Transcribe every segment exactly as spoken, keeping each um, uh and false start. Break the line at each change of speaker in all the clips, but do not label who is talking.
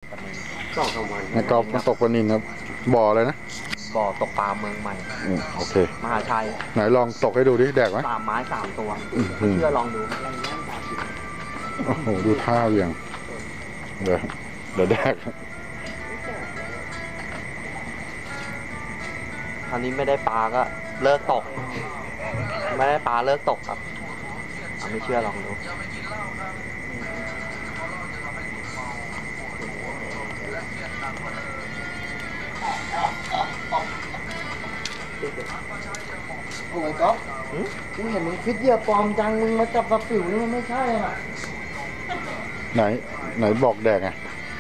สองสามวัน
ในกอล์ฟมันตกปลานิลครับบ่อเลยนะ
บ่อตกปลาเมืองใหม่
โอเค
มหาชัย
ไหนลองตกให้ดูดิแดกไหม
สามไม้สามตัวไม่เชื่อลองดู
โอ้โหดูท่าเวียงเดี๋ยวเดี๋ยวแดก
อันนี้ไม่ได้ปลาก็เลิกตกไม่ได้ปลาเลิกตกครับไม่เชื่อลองดู
โอ้ยก๊อฟกูเห็นมึงฟิตเยียปลอมจังมึงมาจับปลาปิ๋วนี่มันไม่ใช่อ่ะ
ไหนไหนบอกแดกไง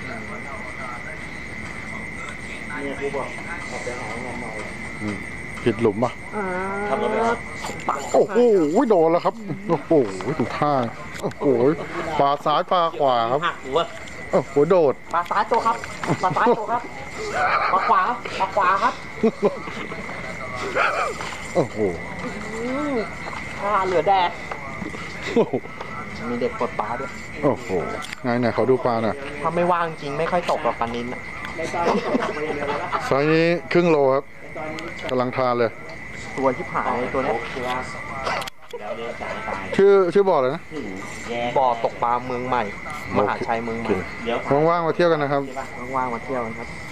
เนี่ยกูบอกขับไปหาเงินหน่อย
ผิดหลุมป่ะโอ้โหโดนแล้วครับโอ้โหถูกท่าโอ้โหปลาซ้ายปลาขวาครับโอ้โหโดด
ปลาซ้ายตัวครับปลาซ้ายตัวครับปลาขวาปลาขวาครับ
โอ้โห
ปลาเหลือแดดมีเด็กกดปลาด้วย
โอ้โหไงไหนเขาดูปลาหน่อย
ถ้าไม่ว่างจริงไม่ค่อยตกหรอกปลานิล
ไซส์นี้ครึ่งโลครับกำลังทานเลย
ตัวที่ผายตัวนี้
ชื่อชื่อบ่อเลยนะ
บ่อตกปลาเมืองใหม่มหาชัยเมืองใหม่
ว่างๆมาเที่ยวกันนะครับ
ว่างๆมาเที่ยวกันครับ